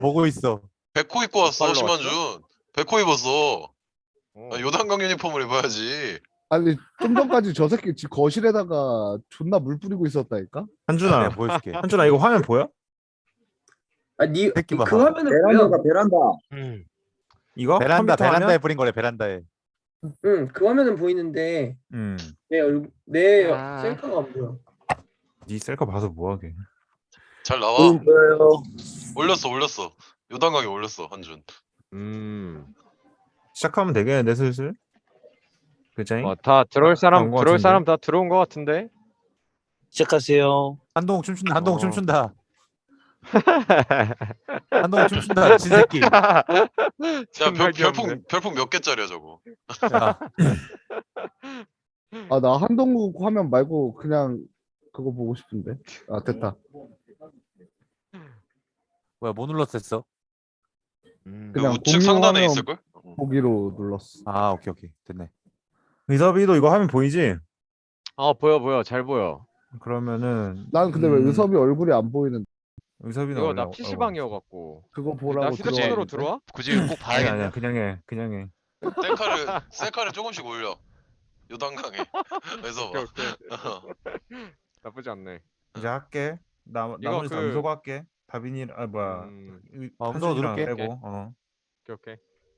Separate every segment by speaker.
Speaker 1: 보고 있어.
Speaker 2: 백호 입고 왔어
Speaker 3: 빨로
Speaker 2: 심한준. 백호 입었어.
Speaker 3: 어.
Speaker 2: 아, 요단강 유니폼을 입어야지.
Speaker 4: 아니 좀 전까지 저 새끼 집 거실에다가 존나 물 뿌리고 있었다니까.
Speaker 1: 내가
Speaker 5: 한준아,
Speaker 1: 보여줄게.
Speaker 5: 한준아 이거 화면 보여?
Speaker 6: 아니
Speaker 1: 새끼
Speaker 6: 그
Speaker 1: 봐.
Speaker 6: 화면은 뭐야?
Speaker 7: 베란다.
Speaker 5: 이거
Speaker 1: 베란다
Speaker 5: 컴퓨터 화면?
Speaker 1: 베란다에 뿌린 거래 베란다에.
Speaker 6: 응, 그 화면은 보이는데
Speaker 5: 음,
Speaker 6: 내
Speaker 3: 아.
Speaker 6: 셀카가 안 보여.
Speaker 5: 네 셀카 봐서 뭐하게?
Speaker 2: 잘 나와.
Speaker 7: 보여요.
Speaker 2: 올렸어. 요단강에 올렸어 한준.
Speaker 5: 시작하면 되겠는데 슬슬. 그자잉?
Speaker 3: 다 들어올 사람
Speaker 5: 나온 것
Speaker 3: 들어올
Speaker 5: 같은데?
Speaker 3: 사람 다 들어온 것 같은데.
Speaker 7: 시작하세요.
Speaker 1: 한동욱 춤춘다. 한동욱
Speaker 3: 어.
Speaker 1: 춤춘다. 한동욱 춤춘다. 진새끼.
Speaker 2: 야
Speaker 3: 존나 귀엽네.
Speaker 2: 별풍 몇 개짜리야 저거.
Speaker 1: 야,
Speaker 4: 아 나 한동국 화면 말고 그냥 그거 보고 싶은데. 아 됐다.
Speaker 1: 뭐야 뭐 눌렀었어?
Speaker 2: 그
Speaker 4: 그냥
Speaker 2: 우측
Speaker 4: 공유
Speaker 2: 상단에
Speaker 4: 화면
Speaker 2: 있을 걸.
Speaker 4: 보기로 눌렀어.
Speaker 1: 아 오케이 됐네.
Speaker 5: 의섭이도 이거 화면 보이지?
Speaker 3: 보여 잘 보여.
Speaker 5: 그러면은
Speaker 4: 난 근데 왜 의섭이 얼굴이 안 보이는?
Speaker 5: 의섭이는
Speaker 3: 이거
Speaker 5: 원래
Speaker 3: 나 PC방이어 갖고.
Speaker 4: 그거
Speaker 3: 나
Speaker 4: 보라고
Speaker 3: 휴대폰으로
Speaker 4: 들어왔는데.
Speaker 3: 들어와?
Speaker 2: 굳이 꼭
Speaker 5: 아니
Speaker 2: 봐야겠냐?
Speaker 5: 아니야 그냥 해.
Speaker 2: 셀카를 조금씩 올려. 요단강에. 그래서
Speaker 3: 오케이
Speaker 2: 봐.
Speaker 3: 오케이. 나쁘지 않네.
Speaker 5: 이제 할게. 나머지 다
Speaker 3: 그-
Speaker 5: 음소거 할게. 다빈이 뭐야?
Speaker 1: 음소거
Speaker 5: 한준이랑
Speaker 1: 누를게.
Speaker 5: 빼고.
Speaker 3: 오케이.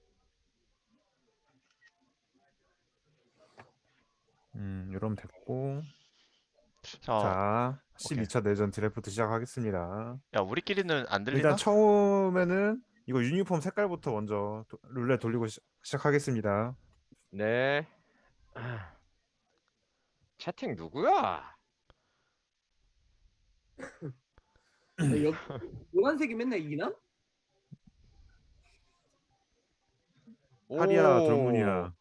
Speaker 5: 이러면 됐고.
Speaker 8: 자,
Speaker 5: 자, 12차 내전 드래프트 시작하겠습니다.
Speaker 8: 야 우리끼리는 안 들리나?
Speaker 5: 일단 처음에는 이거 유니폼 색깔부터 먼저 룰렛 돌리고 시작하겠습니다.
Speaker 3: 네. 채팅 누구야?
Speaker 6: 노란색이 맨날 이기나?
Speaker 5: 파리야
Speaker 3: 오.
Speaker 5: 돌문이야.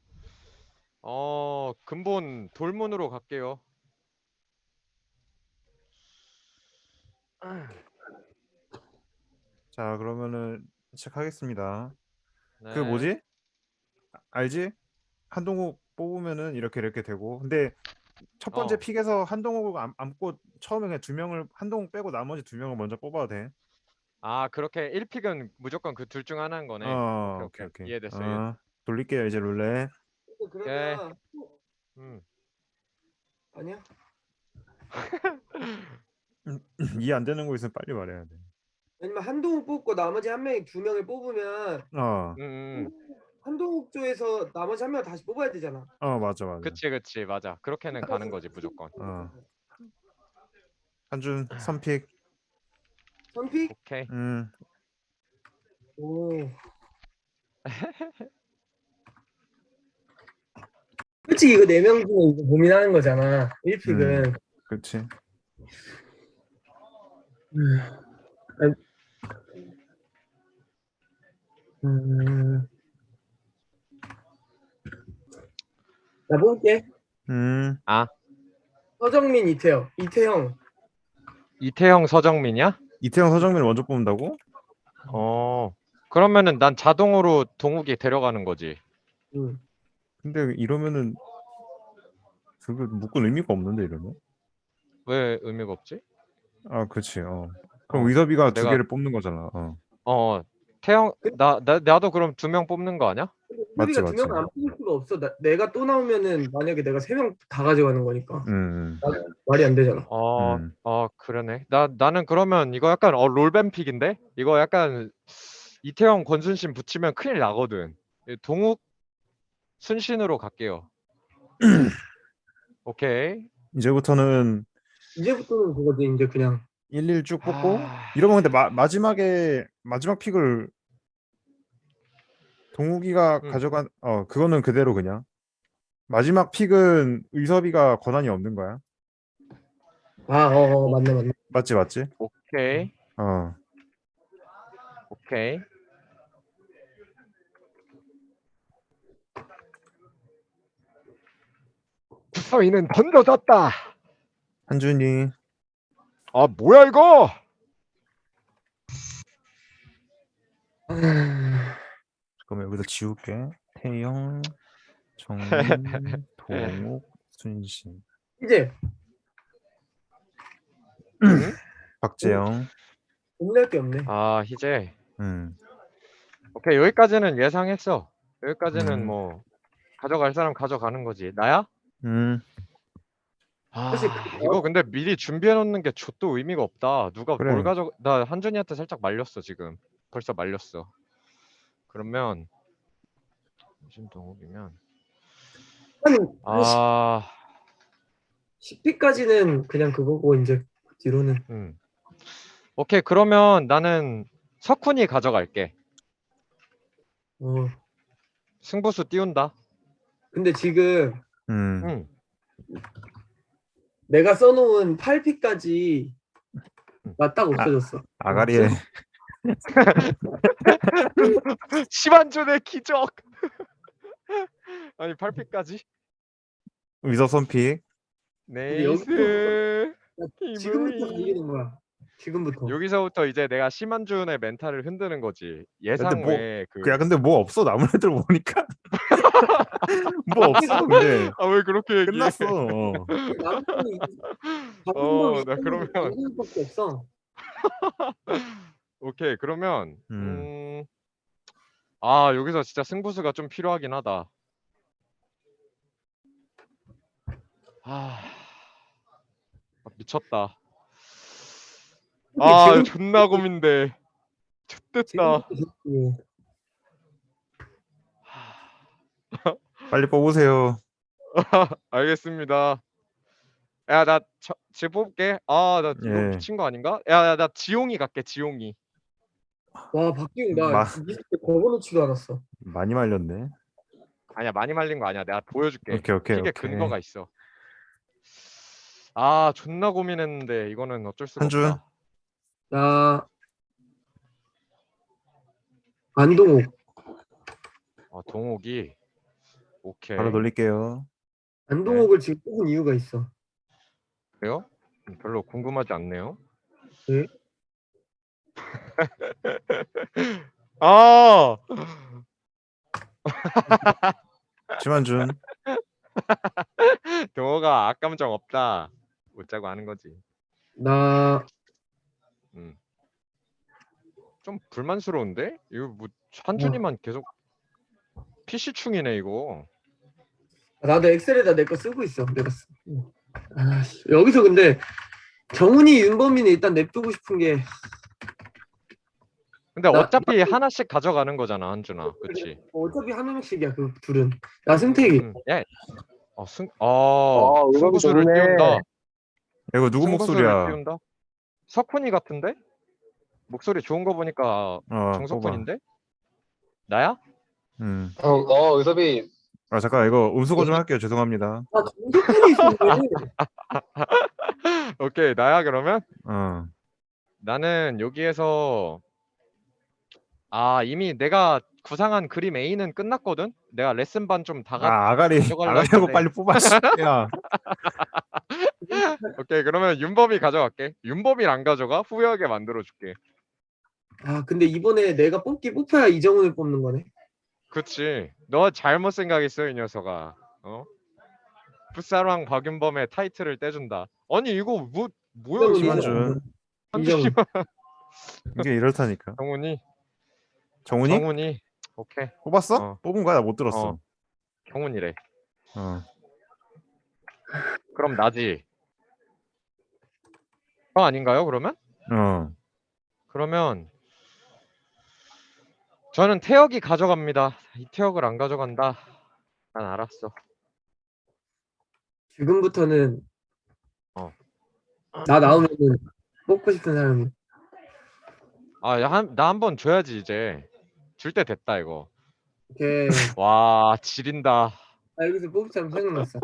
Speaker 3: 근본 돌문으로 갈게요.
Speaker 5: 자, 그러면은 시작하겠습니다.
Speaker 3: 네.
Speaker 5: 그 뭐지? 알지? 한동욱 뽑으면은 이렇게 되고. 근데 첫 번째
Speaker 3: 어.
Speaker 5: 픽에서 한동욱 안고 처음에 그냥 두 명을 한동욱 빼고 나머지 두 명을 먼저 뽑아도 돼.
Speaker 3: 그렇게 1픽은 무조건 그 둘 중 하나인 거네. 오케이. 이해됐어.
Speaker 5: 돌릴게요 이제 룰렛.
Speaker 6: 그러면
Speaker 3: 음.
Speaker 6: 아니야?
Speaker 5: 이해 안 되는 거 있으면 빨리 말해야 돼.
Speaker 6: 아니면 한동욱 뽑고 나머지 한 명이 두 명을 뽑으면
Speaker 3: 음.
Speaker 6: 한동욱 쪽에서 나머지 한 명 다시 뽑아야 되잖아.
Speaker 5: 맞아.
Speaker 3: 그치 맞아. 그렇게는 가는 거지 무조건.
Speaker 5: 한준 선픽.
Speaker 6: 선픽?
Speaker 3: 오케이.
Speaker 6: 오. 솔직히 이거 4명 중에 이거 고민하는 거잖아. 1픽은.
Speaker 5: 그렇지. 나 뽑을게. 서정민, 이태형.
Speaker 3: 이태형 서정민이야?
Speaker 5: 이태영 서정민을 먼저 뽑는다고?
Speaker 3: 그러면은 난 자동으로 동욱이 데려가는 거지.
Speaker 5: 근데 이러면은 그거 묶은 의미가 없는데 이러면?
Speaker 3: 왜 의미가 없지?
Speaker 5: 그렇지. 그럼 의섭이가 두
Speaker 3: 내가-
Speaker 5: 개를 뽑는 거잖아.
Speaker 3: 태형 나도 그럼 2명 뽑는 거 아니야?
Speaker 5: 맞지,
Speaker 6: 우리가 두 명을 안 뽑을 수가 없어. 내가 또 나오면은 만약에 내가 3명 다 가져가는 거니까 말이 안 되잖아.
Speaker 3: 그러네. 나는 그러면 이거 약간 롤뱀 픽인데? 이거 약간 이태형 권순신 붙이면 큰일 나거든. 동욱 순신으로 갈게요. 오케이.
Speaker 5: 이제부터는
Speaker 6: 이제부터는 그거지. 이제 그냥
Speaker 5: 1, 1 쭉 뽑고 이러면 근데 마지막 픽을 동욱이가 가져간 그거는 그대로 그냥 마지막 픽은 의섭이가 권한이 없는 거야.
Speaker 6: 맞네.
Speaker 5: 맞지?
Speaker 3: 오케이. 오케이. 서희는 던져졌다.
Speaker 5: 한준이.
Speaker 3: 뭐야 이거?
Speaker 5: 그러면 여기서 지울게. 태영, 정민, 동욱, 순신,
Speaker 6: 이제
Speaker 5: 박재영.
Speaker 6: 고민할 게 없네.
Speaker 3: 아 희재.
Speaker 5: 음.
Speaker 3: 오케이 여기까지는 예상했어. 여기까지는
Speaker 5: 음.
Speaker 3: 뭐 가져갈 사람 가져가는 거지. 나야?
Speaker 5: 음.
Speaker 3: 아
Speaker 6: 사실
Speaker 3: 이거 근데 미리 준비해 놓는 게 좆도 의미가 없다. 누가
Speaker 5: 그래.
Speaker 3: 뭘 가져? 나 한준이한테 살짝 말렸어 지금. 벌써 말렸어. 그러면 신동욱이면 아
Speaker 6: 10피까지는 그냥 그거고 이제 뒤로는
Speaker 3: 오케이 그러면 나는 석훈이 가져갈게.
Speaker 6: 어.
Speaker 3: 승부수 띄운다.
Speaker 6: 근데 지금
Speaker 5: 음.
Speaker 6: 내가 써놓은 8피까지 나 딱 없어졌어.
Speaker 5: 아가리에
Speaker 3: 심한준의 기적. 아니 8피까지?
Speaker 5: 위서 선픽.
Speaker 3: 네이스.
Speaker 6: 지금부터 달리는 거야. 지금부터.
Speaker 3: 여기서부터 이제 내가 심한준의 멘탈을 흔드는 거지. 예상
Speaker 5: 근데 뭐-
Speaker 3: 외에 그.
Speaker 5: 야 근데 뭐 없어 남은 애들 보니까 뭐 없어 근데
Speaker 3: 아 왜 그렇게 얘기해?
Speaker 5: 끝났어.
Speaker 3: 나 그러면
Speaker 6: 밖에 없어.
Speaker 3: 오케이 그러면
Speaker 5: 음.
Speaker 3: 아 여기서 진짜 승부수가 좀 필요하긴 하다. 아 미쳤다. 아
Speaker 6: 지금-
Speaker 3: 존나 고민돼. 좋됐다.
Speaker 6: 지금부터
Speaker 5: 빨리 뽑으세요.
Speaker 3: 알겠습니다. 야 나 지금 뽑을게. 아 나 이거
Speaker 5: 예.
Speaker 3: 미친 거 아닌가? 야 나 지용이 갈게 지용이.
Speaker 6: 와 박기웅 나
Speaker 5: 마-
Speaker 6: 리스트 걸어놓지도 않았어.
Speaker 5: 많이 말렸네.
Speaker 3: 아니야 많이 말린 거 아니야. 내가 보여줄게.
Speaker 5: 오케이.
Speaker 3: 픽에 근거가 있어. 아 존나 고민했는데 이거는 어쩔 수가
Speaker 5: 한준.
Speaker 3: 없다.
Speaker 6: 나 안동욱.
Speaker 3: 동욱이 오케이.
Speaker 5: 바로 돌릴게요.
Speaker 6: 안동욱을 지금 뽑은 이유가 있어.
Speaker 3: 그래요? 별로 궁금하지 않네요.
Speaker 6: 네?
Speaker 3: 아
Speaker 5: 심한준.
Speaker 3: 동호가 악감정 없다. 웃자고 하는 거지.
Speaker 6: 나
Speaker 3: 좀 불만스러운데? 이거 뭐 한준이만 계속 PC충이네 이거.
Speaker 6: 나도 엑셀에다 내 거 쓰고 있어. 내가 여기서 근데 정훈이 윤범이는 일단 냅두고 싶은 게
Speaker 3: 근데
Speaker 6: 나-
Speaker 3: 어차피 하나씩 가져가는 거잖아 한준아. 그치?
Speaker 6: 어차피 한 명씩이야 그 둘은. 나 승택이.
Speaker 3: 야. 승부수를
Speaker 7: 좋네.
Speaker 3: 띄운다.
Speaker 5: 이거 누구
Speaker 3: 승부수를
Speaker 5: 목소리야?
Speaker 3: 띄운다? 석훈이 같은데? 목소리 좋은 거 보니까
Speaker 5: 뽑아.
Speaker 3: 정석훈인데? 나야?
Speaker 7: 의섭이.
Speaker 5: 아 잠깐 이거 음수거 좀 할게요. 죄송합니다.
Speaker 6: 아 정석훈이 있었네.
Speaker 3: 오케이 나야 그러면?
Speaker 5: 어.
Speaker 3: 나는 여기에서 이미 내가 구상한 그림 A는 끝났거든? 내가 레슨반 좀
Speaker 5: 아가리
Speaker 3: 가져가려고
Speaker 5: 아가리하고
Speaker 3: 했는데.
Speaker 5: 빨리 뽑아. 씨. 야.
Speaker 3: 오케이 그러면 윤범이 가져갈게. 윤범이를 안 가져가? 후회하게 만들어줄게.
Speaker 6: 아 근데 이번에 내가 뽑혀야 이정훈을 뽑는 거네.
Speaker 3: 그치. 너 잘못 생각했어 이 녀석아. 풋사랑 박윤범의 타이틀을 떼준다. 아니 이거 뭐야
Speaker 6: 이정훈이-
Speaker 5: 심한준.
Speaker 6: 이정훈.
Speaker 5: 이게 이렇다니까.
Speaker 3: 정훈이?
Speaker 5: 정훈이?
Speaker 3: 정훈이. 오케이.
Speaker 5: 뽑았어? 뽑은 거야? 나 못 들었어.
Speaker 3: 정훈이래.
Speaker 5: 어.
Speaker 3: 그럼 나지. 아닌가요 그러면? 그러면 저는 태혁이 가져갑니다. 이태혁을 안 가져간다. 난 알았어.
Speaker 6: 지금부터는 나 나오면은 뽑고 싶은 사람이.
Speaker 3: 나 한 번 줘야지 이제. 줄 때 됐다 이거.
Speaker 6: 오케이.
Speaker 3: 와 지린다.
Speaker 6: 나 여기서 뽑을 사람 생각났어.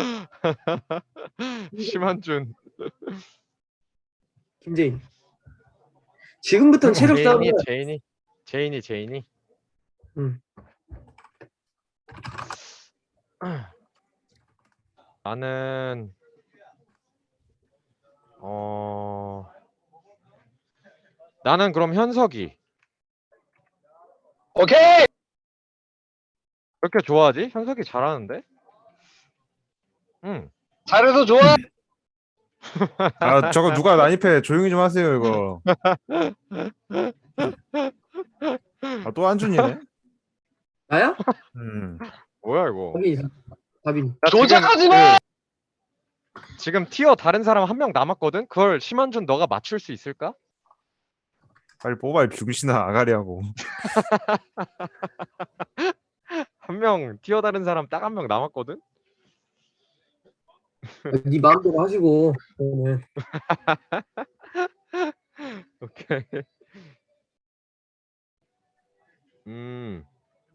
Speaker 3: 심한준.
Speaker 6: 김재인. 지금부터는 체력 싸움.
Speaker 3: 제인이.
Speaker 6: 응.
Speaker 3: 나는 나는 그럼 현석이.
Speaker 7: 오케이.
Speaker 3: 그렇게 좋아하지? 현석이 잘하는데? 응.
Speaker 7: 잘해서 좋아.
Speaker 5: 아 저거 누가 난입해? 조용히 좀 하세요 이거. 아 또 한준이네.
Speaker 6: 나야?
Speaker 3: 뭐야 이거?
Speaker 6: 다빈이. 다빈이.
Speaker 3: 나
Speaker 9: 조작하지
Speaker 3: 지금
Speaker 9: 마!
Speaker 3: 지금 티어 다른 사람 한 명 남았거든. 그걸 심한준 너가 맞출 수 있을까?
Speaker 5: 빨리 뽑아 이 병신아 아가리하고.
Speaker 3: 한 명 티어 다른 사람 딱 한 명 남았거든.
Speaker 6: 네 마음대로 하시고. 저는.
Speaker 3: 오케이. 음.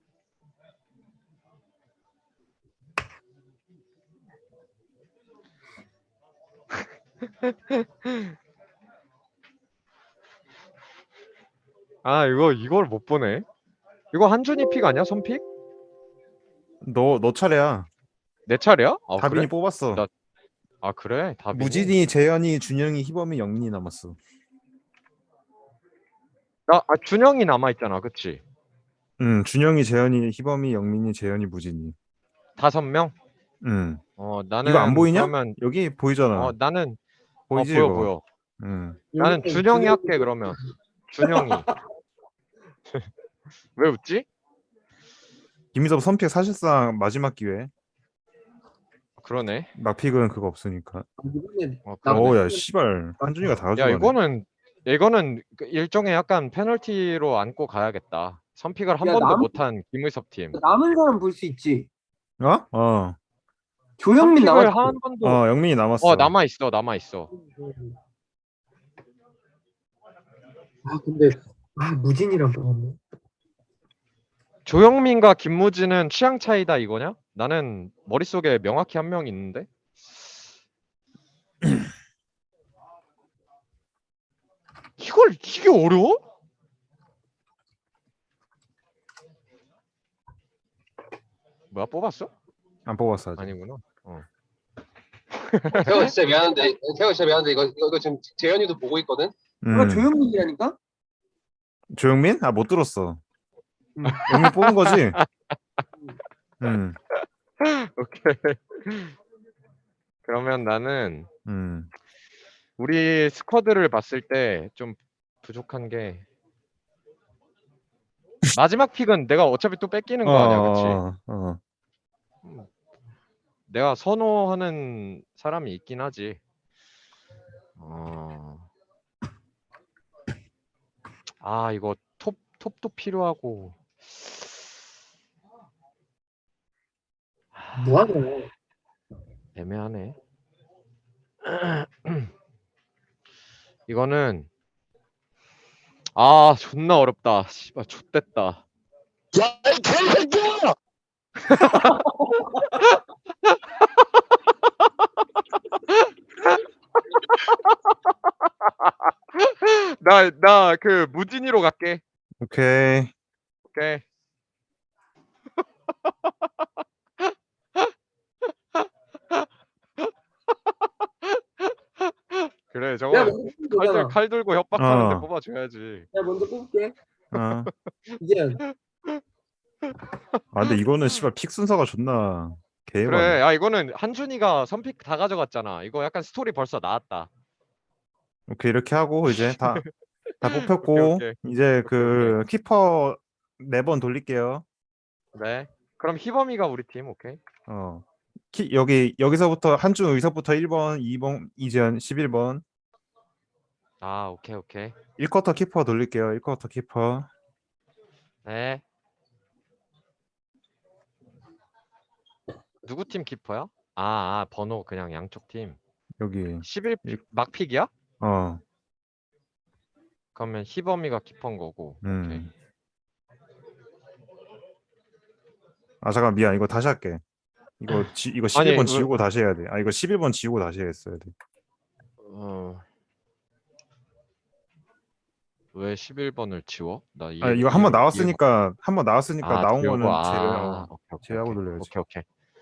Speaker 3: 아 이걸 못 보네. 이거 한준이 픽 아니야? 선픽?
Speaker 5: 너 차례야.
Speaker 3: 내 차례야? 아
Speaker 5: 다빈이
Speaker 3: 그래?
Speaker 5: 뽑았어.
Speaker 3: 나- 아 그래? 다빈이.
Speaker 5: 무진이, 재현이, 준영이, 희범이, 영민이 남았어.
Speaker 3: 준영이 남아 있잖아, 그치?
Speaker 5: 준영이, 재현이, 희범이, 영민이, 재현이, 무진이.
Speaker 3: 5명? 나는
Speaker 5: 이거 안 보이냐?
Speaker 3: 그러면
Speaker 5: 여기 보이잖아.
Speaker 3: 나는
Speaker 5: 보이지
Speaker 3: 보여
Speaker 5: 이거?
Speaker 3: 보여.
Speaker 5: 음.
Speaker 3: 나는 준영이 할게 그러면. 준영이. 왜 웃지?
Speaker 5: 김희섭 선픽 사실상 마지막 기회.
Speaker 3: 그러네.
Speaker 5: 막픽은 그거 없으니까.
Speaker 6: 이번에
Speaker 3: 그러네.
Speaker 5: 어야 씨발 한준이가 다
Speaker 3: 야
Speaker 5: 가져가네.
Speaker 3: 이거는 그 일종의 약간 페널티로 안고 가야겠다. 선픽을 한
Speaker 6: 야,
Speaker 3: 번도
Speaker 6: 남-
Speaker 3: 못한 김의섭 팀.
Speaker 6: 남은 사람 볼 수 있지.
Speaker 5: 어?
Speaker 6: 조영민
Speaker 3: 선픽을
Speaker 6: 남았지.
Speaker 3: 한 번도.
Speaker 5: 영민이 남았어.
Speaker 3: 남아 있어.
Speaker 6: 아 근데 무진이랑 뽑았네.
Speaker 3: 조영민과 김무진은 취향 차이다 이거냐? 나는 머릿속에 명확히 한 명 있는데. 이게 어려워? 뭐야 뽑았어?
Speaker 5: 안 뽑았어 아직.
Speaker 3: 아니구나.
Speaker 9: 태호 진짜 미안한데 이거 지금 재현이도 보고 있거든.
Speaker 6: 누가 조영민이라니까?
Speaker 5: 조영민? 아 못 들었어.
Speaker 6: 음.
Speaker 5: 영민 뽑은 거지?
Speaker 3: 오케이. 그러면 나는
Speaker 5: 음.
Speaker 3: 우리 스쿼드를 봤을 때 좀 부족한 게 마지막 픽은 내가 어차피 또 뺏기는 거 아니야, 그치? 내가 선호하는 사람이 있긴 하지. 이거 톱도 필요하고.
Speaker 6: 뭐하냐?
Speaker 3: 애매하네. 이거는 존나 어렵다. 씨발 좆됐다.
Speaker 9: 야, 이 개새끼야!
Speaker 3: 나 그 무진이로 갈게.
Speaker 5: 오케이.
Speaker 3: 오케이. 그래
Speaker 6: 내가
Speaker 3: 저거
Speaker 6: 먼저 뽑으면 되잖아.
Speaker 3: 칼 들고 협박하는데
Speaker 5: 어.
Speaker 3: 뽑아줘야지.
Speaker 6: 내가 먼저 뽑을게.
Speaker 5: 아
Speaker 6: 이제
Speaker 5: 근데 이거는 씨발 픽 순서가 존나 개해봤네.
Speaker 3: 그래 야 이거는 한준이가 선픽 다 가져갔잖아. 이거 약간 스토리 벌써 나왔다.
Speaker 5: 오케이 이렇게 하고 이제 다 뽑혔고
Speaker 3: 오케이.
Speaker 5: 이제 그 키퍼 4번 돌릴게요.
Speaker 3: 네. 그럼 희범이가 우리 팀 오케이.
Speaker 5: 여기서부터 한준 의석부터 1번, 2번 이재현 11번.
Speaker 3: 오케이.
Speaker 5: 1쿼터 키퍼 돌릴게요. 1쿼터 키퍼.
Speaker 3: 네. 누구 팀 키퍼야? 번호 그냥 양쪽 팀.
Speaker 5: 여기
Speaker 3: 11 막픽이야? 그러면 희범이가 키퍼인 거고. 오케이.
Speaker 5: 잠깐 미안. 이거 다시 할게. 이거 11번
Speaker 3: 아니,
Speaker 5: 지우고 다시 해야 돼. 이거 11번 지우고 다시 했어야 돼.
Speaker 3: 왜 11번을 지워? 나
Speaker 5: 이거 한 번 나왔으니까 나온
Speaker 3: 지우고,
Speaker 5: 거는
Speaker 3: 오케이,
Speaker 5: 제외하고 돌려야지.
Speaker 3: 오케이.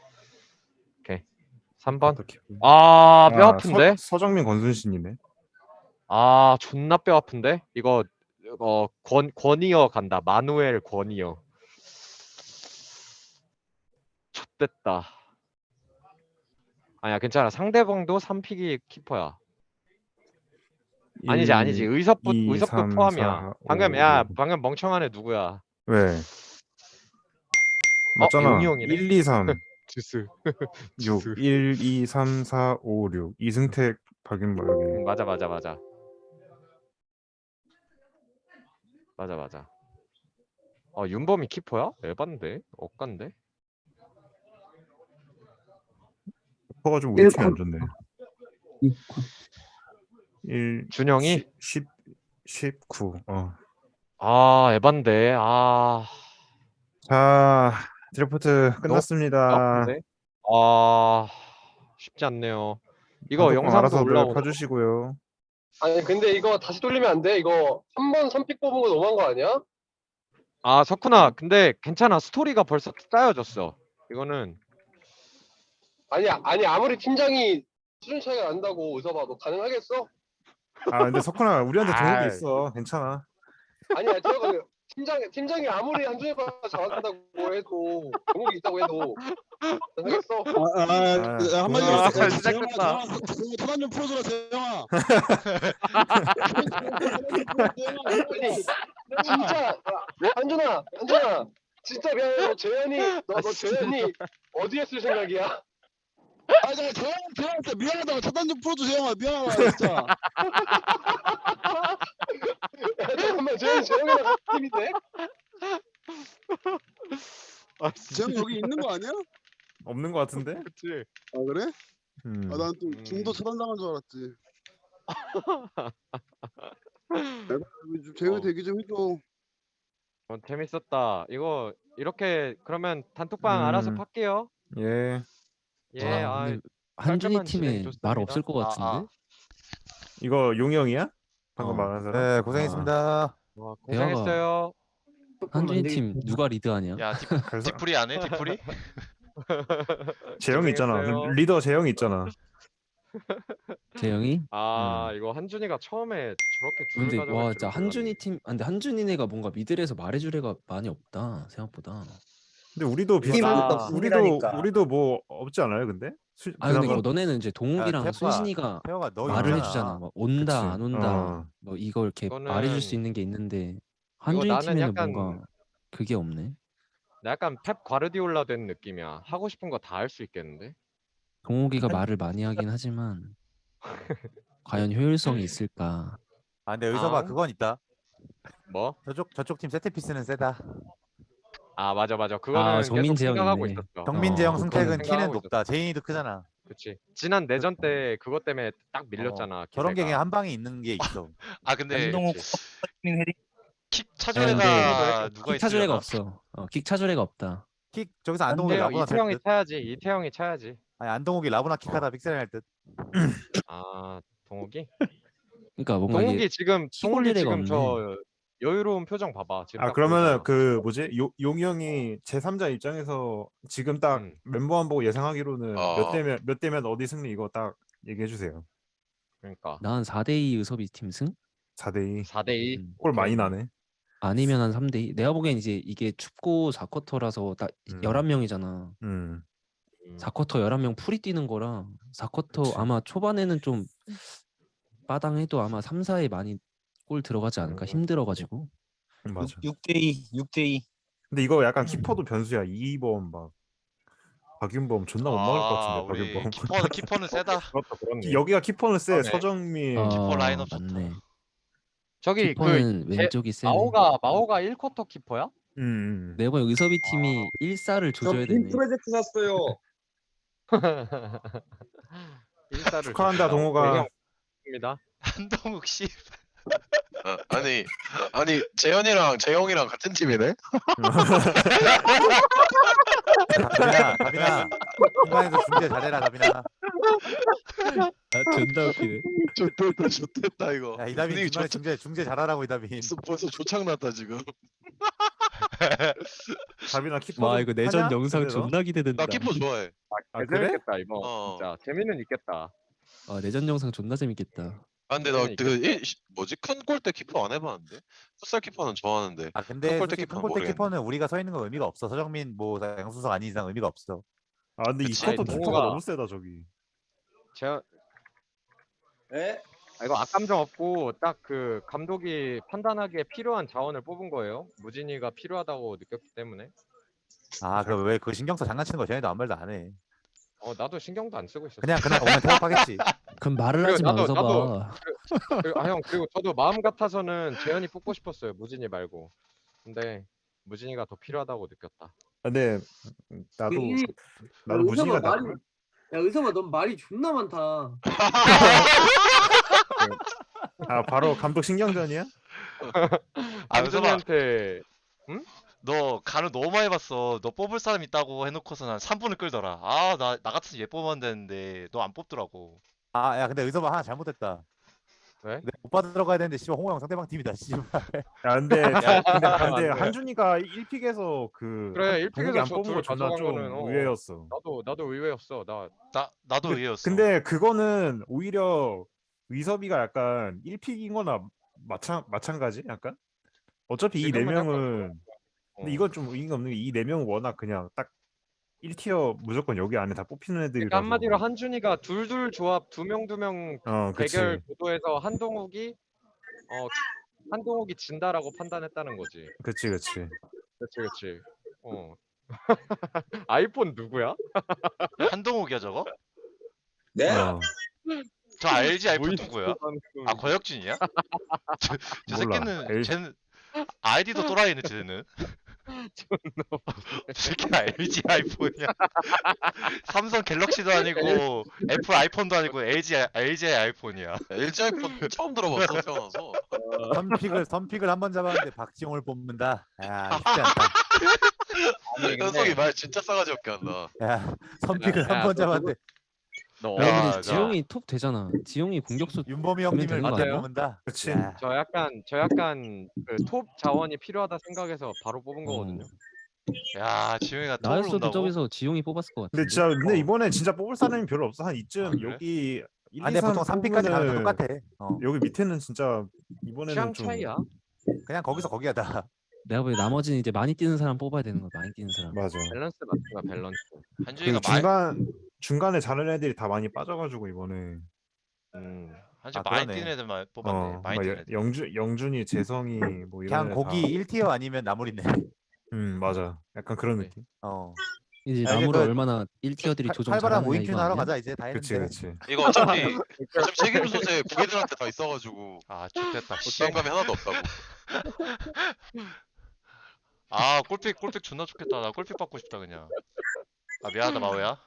Speaker 3: 3번.
Speaker 5: 쿼터 키퍼.
Speaker 3: 뼈 아픈데?
Speaker 5: 서정민 권순신이네.
Speaker 3: 존나 뼈 아픈데? 이거 권이어 간다. 마누엘 권이어. X됐다. 아니야 괜찮아. 상대방도 3픽이 키퍼야. 아니지. 의섭도
Speaker 5: 3,
Speaker 3: 포함이야.
Speaker 5: 4,
Speaker 3: 방금
Speaker 5: 5,
Speaker 3: 야
Speaker 5: 6.
Speaker 3: 방금 멍청한 애 누구야?
Speaker 5: 왜? 맞잖아.
Speaker 3: 용이 형이네.
Speaker 5: 1, 2, 3,
Speaker 3: 주스.
Speaker 5: 6. 1, 2, 3, 4, 5, 6. 이승택, 박윤보 여기.
Speaker 3: 맞아. 윤범이 키퍼야? 에반데? 억간데?
Speaker 5: 커가 좀 우리 팀이 안 좋네. 1,
Speaker 3: 준영이?
Speaker 5: 19.
Speaker 3: 아 에반데. 아
Speaker 5: 자, 드래프트 끝났습니다.
Speaker 3: 아픈데? 아 쉽지 않네요. 이거
Speaker 5: 방송
Speaker 3: 영상도
Speaker 5: 알아서들
Speaker 3: 올라오고.
Speaker 5: 봐주시고요.
Speaker 9: 아니 근데 이거 다시 돌리면 안 돼? 이거 한 번 선픽 뽑은 거 너무한 거 아니야?
Speaker 3: 아 석훈아 근데 괜찮아. 스토리가 벌써 짜여졌어. 이거는
Speaker 9: 아니 아무리 팀장이 수준 차이가 난다고 의사봐 너 가능하겠어?
Speaker 5: 근데 석훈아, 우리한테
Speaker 3: 아이.
Speaker 5: 동욱이 있어. 괜찮아.
Speaker 9: 아니야 제가 팀장이 아무리 한준이가 잘한다고 해도 종목이 있다고 해도 가능하겠어?
Speaker 5: 한마디로
Speaker 8: 아,
Speaker 5: 말해서
Speaker 8: 시작됐다.
Speaker 10: 그만 좀 풀어줘라 재영아.
Speaker 9: 아니 진짜 한준아 진짜 미안해 너 재현이 어디에 쓸 생각이야?
Speaker 10: 아 내가 재영한테 미안하다고 차단 좀 풀어줘 재영아 미안하다 진짜.
Speaker 9: 야, 잠깐만 재영이랑 같은 팀인데?
Speaker 10: 재영 여기 있는 거 아니야?
Speaker 5: 없는 것 같은데?
Speaker 3: 그치.
Speaker 10: 아 그래?
Speaker 5: 음.
Speaker 10: 아 난 또 중도 차단당한 줄 알았지. 내가 좀 재영이 대기 좀 해줘.
Speaker 3: 재밌었다. 이거 이렇게 그러면 단톡방 알아서 팔게요.
Speaker 5: 예.
Speaker 3: 예.
Speaker 11: 근데 한준이
Speaker 3: 깔끔한 진행
Speaker 11: 팀에
Speaker 3: 좋습니다.
Speaker 11: 말 없을 것 같은데?
Speaker 5: 이거 용이 형이야? 방금 말한 사람?
Speaker 1: 네, 고생했습니다.
Speaker 3: 와, 고생했어요.
Speaker 11: 한준이 팀 누가 리드하냐?
Speaker 8: 야 디프리 안 해? 디프리?
Speaker 5: 재영이 있잖아.
Speaker 3: 고생했어요.
Speaker 5: 리더 재영이 있잖아.
Speaker 11: 재영이?
Speaker 3: 이거 한준이가 처음에 저렇게 둘을
Speaker 11: 근데
Speaker 3: 가져갈
Speaker 11: 와
Speaker 3: 줄은
Speaker 11: 진짜
Speaker 3: 몰랐네.
Speaker 11: 한준이 팀 근데 한준이네가 뭔가 미들에서 말해줄 애가 많이 없다 생각보다.
Speaker 5: 근데 우리도
Speaker 3: 팀
Speaker 5: 비슷한
Speaker 3: 아,
Speaker 5: 우리도 뭐 없지 않아요, 근데?
Speaker 11: 근데
Speaker 5: 그나마?
Speaker 11: 너네는 이제 동욱이랑
Speaker 1: 태호가-
Speaker 11: 순신이가
Speaker 1: 태호가 너
Speaker 11: 말을
Speaker 1: 있잖아.
Speaker 11: 해주잖아. 막 온다
Speaker 5: 그치.
Speaker 11: 안 온다 뭐 이거 이렇게
Speaker 3: 이거는-
Speaker 11: 말해줄 수 있는 게 있는데 한준이
Speaker 3: 나는
Speaker 11: 팀에는
Speaker 3: 약간-
Speaker 11: 뭔가 그게 없네.
Speaker 3: 나 약간 펩 과르디올라 된 느낌이야. 하고 싶은 거 다 할 수 있겠는데?
Speaker 11: 동욱이가 말을 많이 하긴 하지만 과연 효율성이 있을까?
Speaker 1: 아 근데 의서봐
Speaker 3: 아.
Speaker 1: 그건 있다.
Speaker 3: 뭐?
Speaker 1: 저쪽 팀 세트피스는 세다.
Speaker 3: 아 맞아. 그거는 계속
Speaker 11: 정민재 형
Speaker 3: 생각하고
Speaker 11: 있네.
Speaker 3: 있었어.
Speaker 1: 정민재 형
Speaker 11: 그거는
Speaker 1: 승택은 키는
Speaker 3: 생각하고
Speaker 1: 높다. 제인이도 크잖아.
Speaker 3: 그치. 지난 내전 때 그것 때문에 딱 밀렸잖아.
Speaker 1: 저런 게
Speaker 3: 기세가.
Speaker 1: 그냥 한 방에 있는 게 있어.
Speaker 8: 아 근데
Speaker 3: 그치.
Speaker 8: 킥
Speaker 11: 야,
Speaker 8: 차줄
Speaker 11: 근데
Speaker 8: 애가 누가
Speaker 11: 킥 차줄 애가
Speaker 8: 있으려나?
Speaker 11: 없어. 킥 차줄 애가 없다.
Speaker 1: 킥 저기서 안동욱이 라보나
Speaker 3: 이태형이
Speaker 1: 찰 듯.
Speaker 3: 차야지. 이태형이 차야지.
Speaker 1: 아니 안동욱이 라보나 킥하다 픽셀 할 듯.
Speaker 3: 아 동욱이?
Speaker 11: 그러니까 뭔가 이게
Speaker 3: 동욱이 지금
Speaker 11: 킥 올릴 애가 없네.
Speaker 3: 저 여유로운 표정 봐봐. 지금 딱
Speaker 5: 그러면은
Speaker 3: 보이잖아.
Speaker 5: 그 뭐지? 용이 형이 제3자 입장에서 지금 딱 멤버만 보고 예상하기로는 몇 대면 어디 승리 이거 딱 얘기해 주세요.
Speaker 3: 그러니까
Speaker 11: 난 4대2 의섭이 팀 승?
Speaker 5: 4대2.
Speaker 3: 4대2.
Speaker 5: 골 많이 나네.
Speaker 11: 아니면 한 3대2. 내가 보기엔 이제 이게 춥고 4쿼터라서 딱 11명이잖아. 4쿼터 11명 풀이 뛰는 거랑 4쿼터
Speaker 5: 그치.
Speaker 11: 아마 초반에는 좀 빠당해도 아마 3, 4에 많이 골 들어가지 않을까? 힘들어가지고.
Speaker 5: 맞아.
Speaker 7: 6대2.
Speaker 5: 근데 이거 약간 키퍼도 변수야. 2번 막 박윤범 존나 못 막을 것 같은데.
Speaker 8: 우리
Speaker 5: 박윤범.
Speaker 8: 키퍼는 세다.
Speaker 3: 그렇네.
Speaker 5: 여기가 키퍼는 세.
Speaker 3: 그러네.
Speaker 5: 서정민.
Speaker 8: 키퍼 라인업 좋다.
Speaker 11: 맞네.
Speaker 3: 저기
Speaker 11: 키퍼는 왼쪽이 세네.
Speaker 3: 마오가 1쿼터 키퍼야?
Speaker 11: 내가 보기엔 의섭이 팀이 1사를 조져야 되네.
Speaker 10: 프로젝트 샀어요.
Speaker 3: 1사를
Speaker 5: 축하한다, 동호가.
Speaker 3: 입니다.
Speaker 8: 한동욱 씨.
Speaker 2: 아니 재영이랑 같은 팀이네?
Speaker 1: 가빈아. 중간에서 중재 잘해라 가빈아.
Speaker 11: 존나 웃기네.
Speaker 2: 좋됐다 이거.
Speaker 1: 야 이다빈
Speaker 2: 분위기
Speaker 1: 중간에 중재 잘하라고 이다빈.
Speaker 2: 벌써 조창났다 지금.
Speaker 5: 가빈아 키퍼.
Speaker 11: 와 이거 내전
Speaker 5: 하냐?
Speaker 11: 영상
Speaker 5: 그대로?
Speaker 11: 존나 기대된다.
Speaker 2: 나 키퍼 좋아해.
Speaker 5: 그래?
Speaker 3: 재밌겠다 이거. 진짜 재미는 있겠다.
Speaker 11: 내전 영상 존나 재밌겠다.
Speaker 2: 근데 나 뭐지 큰 골대 키퍼 안 해봤는데. 풋살 키퍼는 좋아하는데.
Speaker 1: 아 근데
Speaker 2: 큰 골대
Speaker 1: 솔직히
Speaker 2: 키퍼는
Speaker 1: 큰 골대
Speaker 2: 모르겠네.
Speaker 1: 키퍼는 우리가 서 있는 거 의미가 없어. 서정민 뭐 양수석 아닌 이상 의미가 없어.
Speaker 5: 근데 이
Speaker 2: 그치.
Speaker 5: 쿼터
Speaker 3: 동호가-
Speaker 5: 키퍼가 너무 세다 저기.
Speaker 3: 제가
Speaker 7: 예?
Speaker 3: 이거 악감정 없고 딱 그 감독이 판단하기에 필요한 자원을 뽑은 거예요. 무진이가 필요하다고 느꼈기 때문에.
Speaker 1: 아, 그 왜 그 신경 써 장난치는 거 쟤네도 아무 말도 안 해.
Speaker 3: 나도 신경도 안 쓰고 있었어.
Speaker 1: 그냥 오면 태업하겠지.
Speaker 11: 그럼 말을
Speaker 3: 그리고
Speaker 11: 하지 마,
Speaker 3: 나도
Speaker 11: 의섭아.
Speaker 3: 형 그리고 저도 마음 같아서는 재현이 뽑고 싶었어요. 무진이 말고. 근데 무진이가 더 필요하다고 느꼈다.
Speaker 5: 근데 나도
Speaker 6: 이-
Speaker 5: 나도
Speaker 6: 의섭아
Speaker 5: 무진이가 나.
Speaker 6: 말이 야 의섭아 넌 말이 존나 많다.
Speaker 5: 아 바로 감독 신경전이야?
Speaker 8: 아, 의섭아.
Speaker 3: 안준이한테
Speaker 8: 너 간을 너무 많이 봤어. 너 뽑을 사람 있다고 해놓고서 난 3분을 끌더라. 아, 나 같아서 얘 뽑으면 되는데 너 안 뽑더라고.
Speaker 1: 아, 야, 근데 의섭아 하나 잘못했다.
Speaker 3: 왜?
Speaker 1: 내가 오빠 들어가야 되는데 씨발 홍호 형 상대방 팀이다. 씨발.
Speaker 5: 야 근데 근데
Speaker 3: 안 돼.
Speaker 5: 한준이가 1픽에서 그
Speaker 3: 그래, 1픽에서
Speaker 5: 안
Speaker 3: 저
Speaker 5: 뽑은 거
Speaker 3: 둘
Speaker 5: 존나
Speaker 3: 가져간
Speaker 5: 좀
Speaker 3: 거는,
Speaker 5: 의외였어.
Speaker 3: 나도 의외였어.
Speaker 8: 나도 의외였어.
Speaker 5: 근데 그거는 오히려 의섭이가 약간 1픽인 거나 마찬가지 약간? 어차피 이 네
Speaker 3: 지금은 약간
Speaker 5: 명은 근데 이건 좀 의미가 없는 게 이 네 명은 워낙 그냥 딱 1티어 무조건 여기 안에 다 뽑히는 애들이라서.
Speaker 3: 그러니까 한마디로 한준이가 둘둘 조합 2명
Speaker 5: 그치.
Speaker 3: 대결 구도에서 한동욱이 진다라고 판단했다는 거지.
Speaker 5: 그치.
Speaker 3: 그치. 아이폰 누구야?
Speaker 8: 한동욱이야 저거?
Speaker 7: 네?
Speaker 8: 저 LG 아이폰
Speaker 3: 보이스
Speaker 8: 누구야?
Speaker 3: 방송.
Speaker 8: 아, 권혁준이야? 저
Speaker 5: 몰라.
Speaker 8: 새끼는
Speaker 5: LG.
Speaker 8: 쟤는 아이디도 또라이네 쟤는. 저 새끼가 LG 아이폰이야. 삼성 갤럭시도 아니고 애플 아이폰도 아니고 LG 아이폰이야.
Speaker 2: LG 아이폰 처음 들어봤어 태어나서.
Speaker 1: 선픽을 한 번 잡았는데 박지홍을 뽑는다. 야, 쉽지 않다.
Speaker 2: 현석이 말 진짜 싸가지 없게 한다.
Speaker 1: 야, 선픽을
Speaker 3: 야,
Speaker 1: 한 번
Speaker 3: 너
Speaker 1: 잡았는데
Speaker 3: 너
Speaker 11: 야,
Speaker 8: 야,
Speaker 11: 근데
Speaker 8: 자.
Speaker 11: 지용이 톱 되잖아. 지용이 공격수
Speaker 1: 윤범이
Speaker 11: 그러면
Speaker 1: 형님을
Speaker 11: 되는 거
Speaker 1: 못
Speaker 3: 아니야?
Speaker 1: 뽑는다.
Speaker 5: 그치.
Speaker 1: 야,
Speaker 3: 저 약간 그 톱 자원이 필요하다 생각해서 바로 뽑은 거거든요.
Speaker 8: 야, 지용이가 톱을
Speaker 11: 나였어도
Speaker 8: 온다고?
Speaker 11: 저기서 지용이 뽑았을 것 같은데.
Speaker 5: 근데 이번에 진짜 뽑을 사람이 별로 없어. 한 이쯤
Speaker 8: 아, 그래?
Speaker 5: 여기 1,
Speaker 1: 아,
Speaker 5: 2,
Speaker 1: 근데
Speaker 5: 3
Speaker 1: 보통 3픽까지 가면 다 똑같아.
Speaker 5: 여기 밑에는 진짜 이번에는
Speaker 3: 취향
Speaker 5: 좀
Speaker 3: 차이야.
Speaker 1: 그냥 거기서 거기야 다.
Speaker 11: 내가 보기에 나머지는 이제 많이 뛰는 사람 뽑아야 되는 거야. 많이 뛰는 사람.
Speaker 5: 맞아.
Speaker 3: 밸런스 맞추가 밸런스.
Speaker 8: 한준이가
Speaker 5: 중간에 잘하는 애들이 다 많이 빠져가지고 이번에
Speaker 8: 한준
Speaker 1: 아,
Speaker 8: 많이
Speaker 1: 그러네.
Speaker 8: 뛰는 애들만 뽑았네. 많이 뛰는 애들.
Speaker 5: 영준이, 재성이 뭐 이런
Speaker 1: 그냥
Speaker 5: 애들
Speaker 1: 거기
Speaker 5: 다.
Speaker 1: 1티어 아니면 나물이네.
Speaker 5: 맞아. 약간 그런
Speaker 3: 네.
Speaker 5: 느낌.
Speaker 11: 이제
Speaker 1: 아, 이게
Speaker 11: 나무를
Speaker 1: 그
Speaker 11: 얼마나 1티어들이 조정
Speaker 1: 활발한
Speaker 11: 잘하느냐
Speaker 1: 모임큐
Speaker 11: 이거
Speaker 1: 하러
Speaker 11: 아니야?
Speaker 1: 가자 이제 다
Speaker 5: 그치
Speaker 1: 했는데.
Speaker 5: 그치.
Speaker 2: 이거 어차피 책임 소재 부기들한테 다 있어가지고
Speaker 8: 아, 좋겠다. 씨.
Speaker 2: 부담감이 하나도 없다고.
Speaker 8: 아, 골픽 존나 좋겠다. 나 골픽 받고 싶다 그냥. 아, 미안하다 마오야.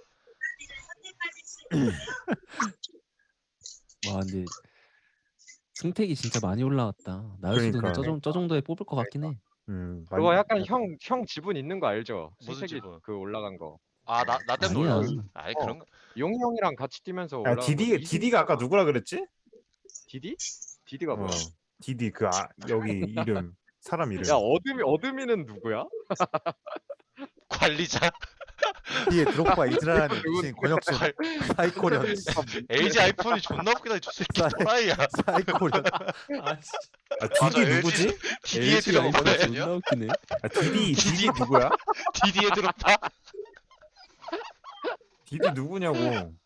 Speaker 11: 와 근데 승택이 진짜 많이 올라왔다. 나였어도 근데
Speaker 5: 그러니까.
Speaker 11: 저 정도에 뽑을 것 같긴 해.
Speaker 3: 그거 약간 형 지분 있는 거 알죠?
Speaker 8: 무슨
Speaker 3: 승택이
Speaker 8: 지분?
Speaker 3: 그 올라간 거.
Speaker 8: 아, 나 때문에
Speaker 11: 아니야.
Speaker 8: 올라갔어. 아니, 그런 거.
Speaker 3: 용이 형이랑 같이 뛰면서
Speaker 5: 야,
Speaker 3: 올라간 거.
Speaker 5: 디디가 아까 누구라 그랬지?
Speaker 3: 디디? 디디가 뭐야?
Speaker 5: 디디 여기 이름 사람 이름.
Speaker 3: 야 어드미는 누구야?
Speaker 8: 관리자.
Speaker 1: 뒤에 드롭바 이즈라는
Speaker 3: 누군-
Speaker 1: 미친 권혁준 사이코련
Speaker 8: LG 아이폰이 존나 웃기다. 저 새끼 또라이야.
Speaker 1: 사이코련.
Speaker 5: 디디
Speaker 2: LG
Speaker 5: 누구지?
Speaker 8: 디디에 들어가
Speaker 11: 아이폰
Speaker 8: 보네.
Speaker 11: 존나 웃기네.
Speaker 5: 디디 누구야?
Speaker 8: 디디에 들어가.
Speaker 5: 디디 누구냐고.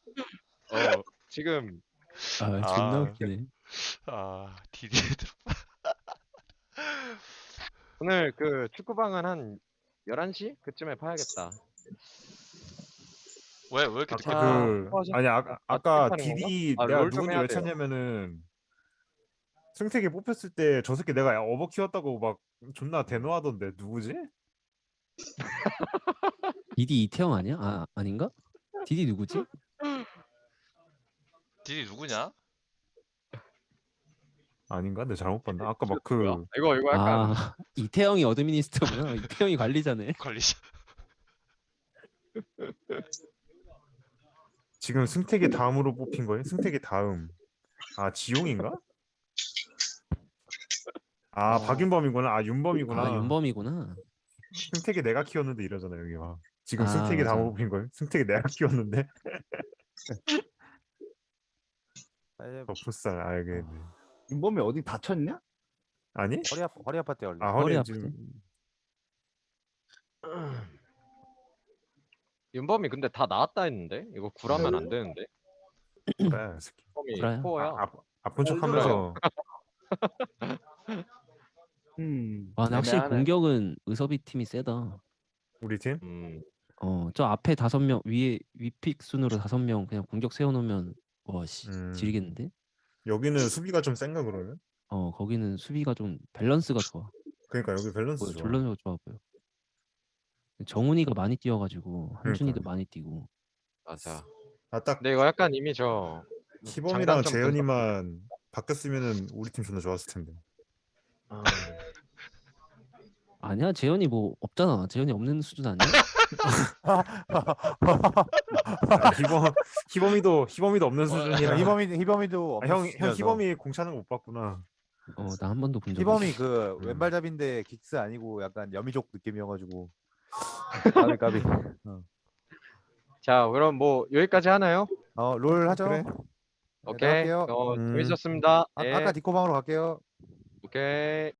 Speaker 3: 지금
Speaker 11: 아 존나
Speaker 8: 아.
Speaker 11: 웃기네.
Speaker 8: 아, 디디에 들어가.
Speaker 3: 오늘 그 축구방은 한 11시 그쯤에 파야겠다.
Speaker 8: 왜 이렇게 늦게
Speaker 3: 아,
Speaker 8: 파?
Speaker 5: 아니 아까
Speaker 3: 하는
Speaker 5: 디디
Speaker 3: 건가? 아,
Speaker 5: 내가
Speaker 3: 롤좀
Speaker 5: 누군지
Speaker 3: 해야
Speaker 5: 왜
Speaker 3: 돼요.
Speaker 5: 찾냐면은 승택이 뽑혔을 때 저 새끼 내가 어버 키웠다고 막 존나 대노하던데 누구지?
Speaker 11: 디디 이태영 아니야? 아 아닌가? 디디 누구지?
Speaker 8: 디디 누구냐?
Speaker 5: 아닌가? 내가 잘못 봤나? 아까 막 그
Speaker 3: 뭐야? 이거 약간
Speaker 11: 아 이태영이 어드미니스트구나. 이태영이 관리자네.
Speaker 8: 관리자.
Speaker 5: 지금 승택이 다음으로 뽑힌 거예요? 승택이 다음. 아 지용인가? 아 박윤범이구나. 아 윤범이구나.
Speaker 11: 아 윤범이구나.
Speaker 5: 승택이 내가 키웠는데 이러잖아 여기 막. 지금
Speaker 11: 아,
Speaker 5: 승택이
Speaker 11: 맞아.
Speaker 5: 다음으로 뽑힌 거예요? 승택이 내가 키웠는데. 풋살 알겠네.
Speaker 4: 윤범이 어디 다쳤냐?
Speaker 5: 아니?
Speaker 1: 허리 아팠대 원래.
Speaker 5: 아
Speaker 11: 허리
Speaker 5: 허리
Speaker 11: 아프대.
Speaker 5: 지금
Speaker 3: 윤범이 근데 다 나왔다 했는데 이거 구라면 안 되는데.
Speaker 5: 그래 새끼.
Speaker 3: 홈이 코어야.
Speaker 5: 아픈 척하면서
Speaker 11: 와, 근데 확실히
Speaker 6: 애매하네.
Speaker 11: 공격은 의섭이 팀이 세다.
Speaker 5: 우리 팀.
Speaker 11: 저 앞에 5명 위에 위픽 순으로 5명 그냥 공격 세워놓으면 와씨 지리겠는데?
Speaker 5: 여기는 수비가 좀 센가 그러면?
Speaker 11: 거기는 수비가 좀 밸런스가 좋아.
Speaker 5: 그러니까 여기 밸런스 좋아.
Speaker 11: 밸런스가 좋아 보여. 정훈이가 많이 뛰어가지고 한준이도
Speaker 5: 그러니까.
Speaker 11: 많이 뛰고.
Speaker 3: 맞아.
Speaker 5: 딱
Speaker 3: 근데 이거 약간 이미 저
Speaker 5: 희범이랑
Speaker 3: 장단점
Speaker 5: 재현이만 바뀌었으면은 우리 팀 존나 좋았을 텐데.
Speaker 11: 아니야, 재현이 뭐 없잖아. 재현이 없는 수준 아니야?
Speaker 5: 희범이도 없는 수준이야.
Speaker 1: 희범이도
Speaker 5: 형
Speaker 1: 없는 수준이라서.
Speaker 5: 희범이 공 차는 거 못 봤구나.
Speaker 11: 나 한 번도 본 적
Speaker 1: 희범이
Speaker 11: 없어.
Speaker 1: 그 왼발잡인데 긱스 아니고 약간 여미족 느낌이어가지고 까비 까비.
Speaker 3: 자, 그럼 뭐 여기까지 하나요?
Speaker 1: 롤 하죠.
Speaker 5: 그래.
Speaker 1: 네,
Speaker 3: 오케이.
Speaker 1: 할게요.
Speaker 3: 재밌었습니다. 예.
Speaker 1: 아까 디코방으로 갈게요.
Speaker 3: 오케이.